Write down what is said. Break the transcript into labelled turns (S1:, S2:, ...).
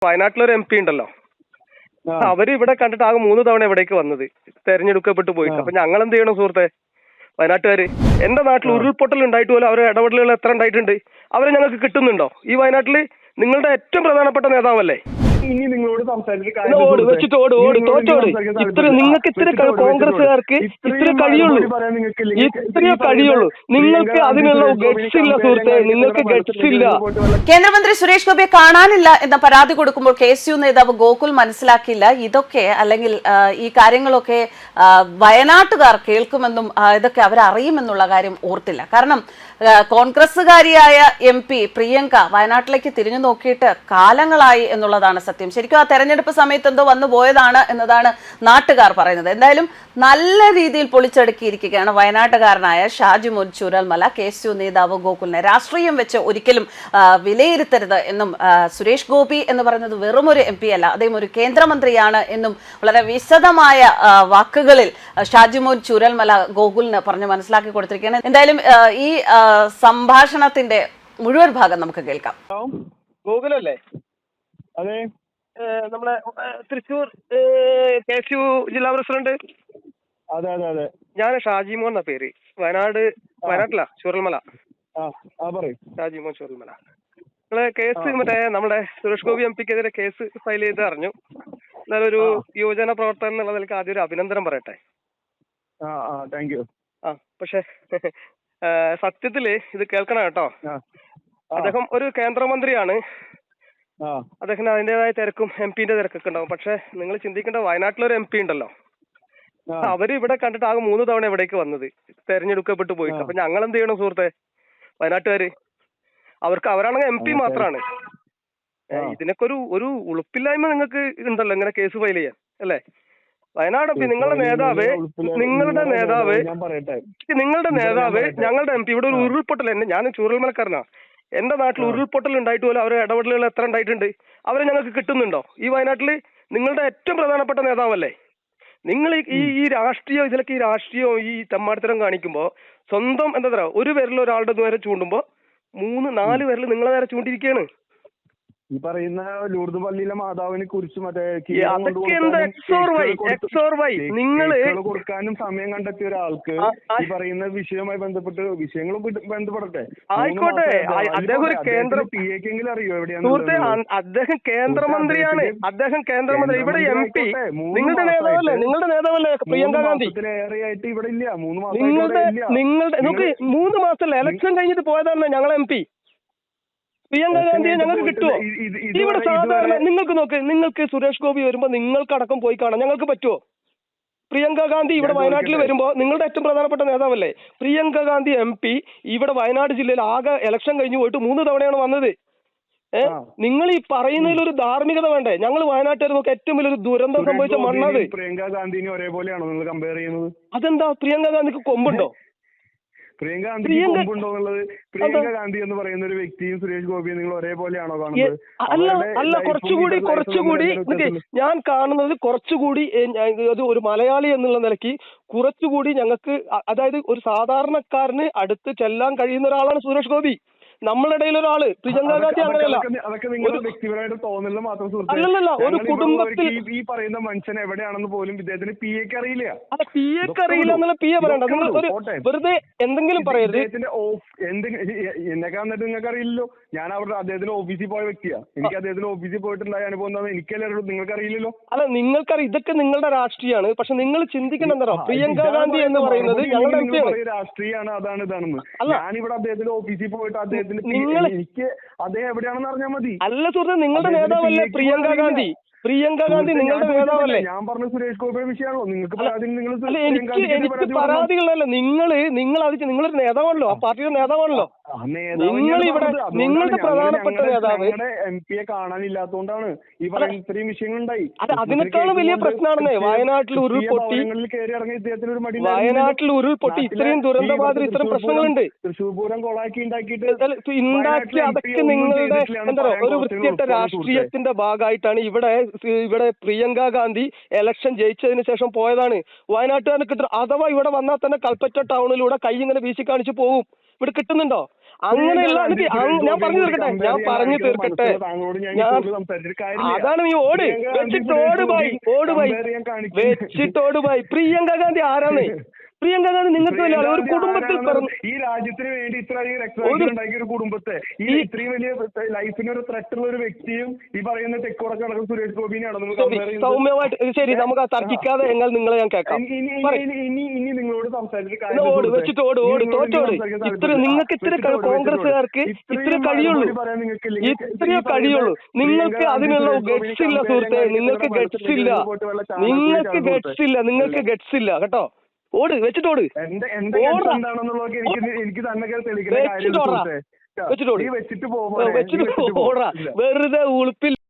S1: വയനാട്ടിലൊരു M P ഉണ്ടല്ലോ, അവര് ഇവിടെ കണ്ടിട്ട് ആകെ 3 തവണ ഇവിടേക്ക് വന്നത്, തെരഞ്ഞെടുക്കപ്പെട്ടു പോയിട്ട്. അപ്പൊ ഞങ്ങൾ എന്ത് ചെയ്യണം സുഹൃത്തെ, വയനാട്ടുകാര്? എന്റെ നാട്ടിൽ ഉരുൾപൊട്ടൽ ഉണ്ടായിട്ട് പോലും അവരെ ഇടപെടലുകൾ എത്ര ഉണ്ടായിട്ടുണ്ട്? അവരെ ഞങ്ങൾക്ക് കിട്ടുന്നുണ്ടോ? ഈ വയനാട്ടില് നിങ്ങളുടെ ഏറ്റവും പ്രധാനപ്പെട്ട നേതാവല്ലേ?
S2: ഇനി നിങ്ങളോട്
S1: നിങ്ങൾക്ക് ഇത്ര കോൺഗ്രസ്സുകാർക്ക് ഇത്രേ കഴിയുള്ളൂ, ഇത്രയേ കഴിയുള്ളൂ. നിങ്ങൾക്ക് അതിനുള്ള ഗട്സ് ഇല്ല സുഹൃത്തെ, നിങ്ങൾക്ക് ഗട്സ് ഇല്ല.
S3: കേന്ദ്രമന്ത്രി സുരേഷ് ഗോപിയെ കാണാനില്ല എന്ന പരാതി കൊടുക്കുമ്പോൾ KSU നേതാവ് ഗോകുൽ മനസ്സിലാക്കിയില്ല ഇതൊക്കെ, അല്ലെങ്കിൽ ഈ കാര്യങ്ങളൊക്കെ വയനാട്ടുകാർ കേൾക്കുമെന്നും ഇതൊക്കെ അവരറിയുമെന്നുള്ള കാര്യം ഓർത്തില്ല. കാരണം കോൺഗ്രസ്സുകാരിയായ MP പ്രിയങ്ക വയനാട്ടിലേക്ക് തിരിഞ്ഞു നോക്കിയിട്ട് കാലങ്ങളായി എന്നുള്ളതാണ് സത്യം. ശരിക്കും ആ തെരഞ്ഞെടുപ്പ് സമയത്ത് എന്തോ വന്നു പോയതാണ് എന്നതാണ് നാട്ടുകാർ പറയുന്നത്. എന്തായാലും നല്ല രീതിയിൽ പൊളിച്ചടുക്കിയിരിക്കുകയാണ് വയനാട്ടുകാരനായ ഷാജിമോൻ ചൂരൽമല. KSU നേതാവ് ഗോകുലിനെ രാഷ്ട്രീയം വെച്ച് ഒരിക്കലും വിലയിരുത്തരുത് എന്നും, സുരേഷ് ഗോപി എന്ന് പറയുന്നത് വെറുമൊരു MP അല്ല, അദ്ദേഹം ഒരു കേന്ദ്രമന്ത്രിയാണ് എന്നും വളരെ വിശദമായ വാക്കുകളിൽ ഷാജിമോൻ ചൂരൽമല ഗോകുലിന് പറഞ്ഞ് മനസ്സിലാക്കി കൊടുത്തിരിക്കുകയാണ്. എന്തായാലും ഈ സംഭാഷണത്തിന്റെ മുഴുവൻ ഭാഗം നമുക്ക് കേൾക്കാം.
S1: ഗോകുലല്ലേ?
S2: അതെ,
S1: നമ്മളെ തൃശ്ശൂർ KSU ജില്ലാ പ്രസിഡന്റ്.
S2: അതെ അതെ അതെ,
S1: ഞാൻ ഷാജിമോൻ എന്ന പേര്. വയനാട്ടിലാ, ചൂരൽമല. ഷാജിമോൻ ചൂരൽമല. നിങ്ങള് കേസ് മറ്റേ നമ്മുടെ സുരേഷ് ഗോപി MPക്കെതിരെ കേസ് ഫയൽ ചെയ്ത് അറിഞ്ഞു. എന്നാലും ഒരു യുവജന പ്രവർത്തകൻ എന്നുള്ള നിലയ്ക്ക് ആദ്യം ഒരു അഭിനന്ദനം പറയട്ടെ. പക്ഷെ സത്യത്തില് ഇത് കേൾക്കണം കേട്ടോ. അദ്ദേഹം ഒരു കേന്ദ്രമന്ത്രിയാണ്. അദ്ദേഹത്തിന് അതിന്റേതായ തിരക്കും MP-ന്റെ തിരക്കൊക്കെ ഉണ്ടാവും. പക്ഷെ നിങ്ങൾ ചിന്തിക്കേണ്ട, വയനാട്ടിലൊരു MP ഉണ്ടല്ലോ, അവര് ഇവിടെ കണ്ടിട്ട് ആകെ 3 തവണ ഇവിടേക്ക് വന്നത്, തെരഞ്ഞെടുക്കപ്പെട്ടു പോയിട്ട്. അപ്പൊ ഞങ്ങൾ എന്ത് ചെയ്യണം സുഹൃത്തെ, വയനാട്ടുകാര്? അവരാണെങ്കിൽ MP മാത്രമാണ്. ഇതിനൊക്കെ ഒരു ഉളുപ്പില്ലായ്മ നിങ്ങൾക്ക് ഉണ്ടല്ലോ ഇങ്ങനെ കേസ് ഫയൽ ചെയ്യാൻ, അല്ലേ? വയനാട് MP, നിങ്ങളുടെ നേതാവ് ഞങ്ങളുടെ MP ഇവിടെ ഒരു ഉരുൾപൊട്ടൽ, ഞാൻ ചൂരൽമലക്കാരനാ, എന്റെ നാട്ടിൽ ഉരുൾപൊട്ടൽ ഉണ്ടായിട്ട് പോലും അവരെ ഇടപെടലുകൾ എത്ര ഉണ്ടായിട്ടുണ്ട്? അവരെ ഞങ്ങൾക്ക് കിട്ടുന്നുണ്ടോ? ഈ വയനാട്ടില് നിങ്ങളുടെ ഏറ്റവും പ്രധാനപ്പെട്ട നേതാവല്ലേ? നിങ്ങൾ ഈ രാഷ്ട്രീയം, ഇതിലൊക്കെ ഈ രാഷ്ട്രീയവും ഈ തെമ്മാടിത്തരം കാണിക്കുമ്പോ സ്വന്തം എന്താ പറയുക, ഒരു വിരൽ ഒരാളുടെ നേരെ ചൂണ്ടുമ്പോ 3-4 വിരൽ നിങ്ങളെ നേരെ ചൂണ്ടിരിക്കുകയാണ്.
S2: ഈ പറയുന്ന ലൂർദ് പള്ളിയിലെ മാതാവിനെ കുറിച്ച് കൊടുക്കാനും സമയം കണ്ടെത്തിയ ഒരാൾക്ക് ഈ പറയുന്ന വിഷയവുമായി ബന്ധപ്പെട്ട് വിഷയങ്ങളും ബന്ധപ്പെടട്ടെ.
S1: ആയിക്കോട്ടെ, അദ്ദേഹം ഒരു
S2: PAക്കെങ്കിലും അറിയോ എവിടെയാണ്?
S1: അദ്ദേഹം കേന്ദ്രമന്ത്രിയാണ്. ഇവിടെ MP നിങ്ങളുടെ നേതാവല്ലേ പ്രിയങ്ക ഗാന്ധി?
S2: ഏറെയായിട്ട് ഇവിടെ ഇല്ല, 3 മാസം.
S1: നമുക്ക് 3 മാസമല്ല, ഇലക്ഷൻ കഴിഞ്ഞിട്ട് പോയതാണ് ഞങ്ങളെ MP. പ്രിയങ്ക ഗാന്ധിയെ ഞങ്ങൾക്ക് കിട്ടുമോ? ഇവിടെ സാധാരണ നിങ്ങൾക്ക് സുരേഷ് ഗോപി വരുമ്പോ നിങ്ങൾക്കടക്കം പോയി കാണാം, ഞങ്ങൾക്ക് പറ്റുമോ? പ്രിയങ്ക ഗാന്ധി ഇവിടെ വയനാട്ടിൽ വരുമ്പോ, നിങ്ങളുടെ ഏറ്റവും പ്രധാനപ്പെട്ട നേതാവല്ലേ പ്രിയങ്ക ഗാന്ധി MP, ഇവിടെ വയനാട് ജില്ലയിൽ ആകെ ഇലക്ഷൻ കഴിഞ്ഞു പോയിട്ട് 3 തവണയാണ് വന്നത്. നിങ്ങൾ ഈ പറയുന്നതിൽ ഒരു ധാർമ്മികത വേണ്ടേ? ഞങ്ങൾ വയനാട്ടുകാർ നോക്കി ഏറ്റവും വലിയൊരു ദുരന്തം സംഭവിച്ച മണ്ണത്.
S2: പ്രിയങ്ക ഗാന്ധിനെ ഒരേപോലെയാണോ നിങ്ങൾ കമ്പയർ ചെയ്യുന്നത്?
S1: അതെന്താ, പ്രിയങ്ക ഗാന്ധിക്ക് കൊമ്പുണ്ടോ?
S2: പ്രിയങ്ക ഗാന്ധി എന്ന് പറയുന്ന ഒരു വ്യക്തിയും സുരേഷ് ഗോപിയും നിങ്ങൾ ഒരേപോലെയാണോ കാണുന്നത്?
S1: അല്ല, കുറച്ചുകൂടി ഞാൻ കാണുന്നത് കുറച്ചുകൂടി ഒരു മലയാളി എന്നുള്ള നിലയ്ക്ക് കുറച്ചുകൂടി ഞങ്ങൾക്ക്, അതായത് ഒരു സാധാരണക്കാരന് അടുത്ത് ചെല്ലാൻ കഴിയുന്ന ഒരാളാണ് സുരേഷ് ഗോപി. നമ്മളുടെ ഇടയിൽ ഒരാള്. പ്രിയങ്ക ഗാന്ധി അങ്ങനെയല്ല. അല്ലല്ല, ഒരു കുടുംബത്തിൽ
S2: ഈ പറയുന്ന മനുഷ്യൻ എവിടെയാണെന്ന് പോലും ഇദ്ദേഹത്തിന് PAക്ക് അറിയില്ല.
S1: അല്ല, PAക്ക് അറിയില്ല എന്നുള്ള PA പറയണ്ട. നിങ്ങൾ വെറുതെ എന്തെങ്കിലും പറയരുത്.
S2: എന്നെക്കാ എന്നിട്ട് നിങ്ങൾക്ക് അറിയില്ലല്ലോ. ഞാൻ അവിടെ അദ്ദേഹത്തിന്റെ ഓഫീസിൽ പോയ വ്യക്തിയാ. എനിക്ക് അദ്ദേഹത്തിന്റെ ഓഫീസിൽ പോയിട്ടുണ്ടായ അനുഭവം എന്താണെന്ന് എനിക്കല്ലേ നിങ്ങൾക്ക് അറിയില്ലല്ലോ.
S1: അല്ല, നിങ്ങൾക്കറിയാം, ഇതൊക്കെ നിങ്ങളുടെ രാഷ്ട്രീയമാണ്. പക്ഷെ നിങ്ങൾ ചിന്തിക്കണം എന്താ, പ്രിയങ്ക ഗാന്ധി എന്ന് പറയുന്നത് ഞങ്ങളുടെ
S2: രാഷ്ട്രീയമാണ്, അതാണ് ഇതാണെന്ന്. ഞാനിവിടെ അദ്ദേഹത്തിന്റെ ഓഫീസിൽ പോയിട്ട് അദ്ദേഹത്തിന് എനിക്ക് അദ്ദേഹം എവിടെയാണെന്ന് അറിഞ്ഞാൽ മതി.
S1: അല്ല സുഹൃത്തെ, നിങ്ങളുടെ നേതാവല്ലേ പ്രിയങ്ക ഗാന്ധി? നിങ്ങളുടെ നേതാവല്ലേ?
S2: ഞാൻ പറഞ്ഞ സുരേഷ് ഗോപിയുടെ വിഷയമാണോ നിങ്ങൾക്ക്?
S1: എനിക്ക് പരാതികളല്ല. നിങ്ങളൊരു നേതാവാണല്ലോ, ആ പാർട്ടിയുടെ നേതാവാണല്ലോ. നിങ്ങളുടെ പ്രധാനപ്പെട്ട നേതാവ്
S2: MP-യെ കാണാനില്ലാത്തതുകൊണ്ടാണ് ഈ പറയുന്ന ഇത്രയും വിഷയങ്ങളുണ്ടായി.
S1: അതിനേക്കാളും വലിയ പ്രശ്നമാണെന്നേ. വയനാട്ടിൽ ഉരുൾപൊട്ടി, ഇത്രയും ദുരന്തബാധിത ഇത്രയും പ്രശ്നങ്ങളുണ്ട്.
S2: തൃശ്ശൂർ പൂരം കൊളാക്കി ഉണ്ടാക്കി
S1: അതൊക്കെ നിങ്ങളുടെ എന്താ പറയുക, ഒരു വൃത്തികെട്ട രാഷ്ട്രീയത്തിന്റെ ഭാഗമായിട്ടാണ്. ഇവിടെ പ്രിയങ്ക ഗാന്ധി ഇലക്ഷൻ ജയിച്ചതിന് ശേഷം പോയതാണ്. വയനാട്ടുകാർക്ക് അഥവാ ഇവിടെ വന്നാൽ തന്നെ കൽപ്പറ്റ ടൗണിലൂടെ കൈ ഇങ്ങനെ വീശി കാണിച്ചു പോകും. ഇവിടെ കിട്ടുന്നുണ്ടോ? അങ്ങനെയുള്ള ഞാൻ പറഞ്ഞു തീർക്കട്ടെ അതാണ് നീ ഓട് വെച്ചിട്ടോട് ബായ്. പ്രിയങ്ക ഗാന്ധി ആരാണ്? പ്രിയങ്ക ഗാന്ധി നിങ്ങൾക്ക് വലിയ ഒരു കുടുംബത്തിൽ
S2: ഈ രാജ്യത്തിന് വേണ്ടി ഇത്രയധികം രക്തസാക്ഷികൾ ഉണ്ടാക്കിയ ഒരു കുടുംബത്തെ ഈ ഇത്രയും വലിയ ലൈഫിന് ഒരു ത്രെട്ടുള്ള ഒരു വ്യക്തിയും ഈ പറയുന്ന തെക്കോടൊക്കെ നടക്കുന്ന സുരേഷ് ഗോപിനെയാണോ
S1: സൗമ്യമായിട്ട്? ശരി, നമുക്ക് തർക്കിക്കാതെ നിങ്ങളെ ഞാൻ കേൾക്കാം.
S2: ഇനി നിങ്ങളോട് സംസാരിച്ചിട്ട്
S1: നിങ്ങൾക്ക് ഇത്ര കോൺഗ്രസ്സുകാർക്ക് ഇത്ര കഴിയുള്ളൂ. നിങ്ങൾക്ക് അതിനുള്ള ഗട്സ് ഇല്ല സുഹൃത്തെ. നിങ്ങൾക്ക് ഗട്സ് ഇല്ല കേട്ടോ. ഓട് വെച്ചിട്ടോട് വെറുതെ ഉളുപ്പിൽ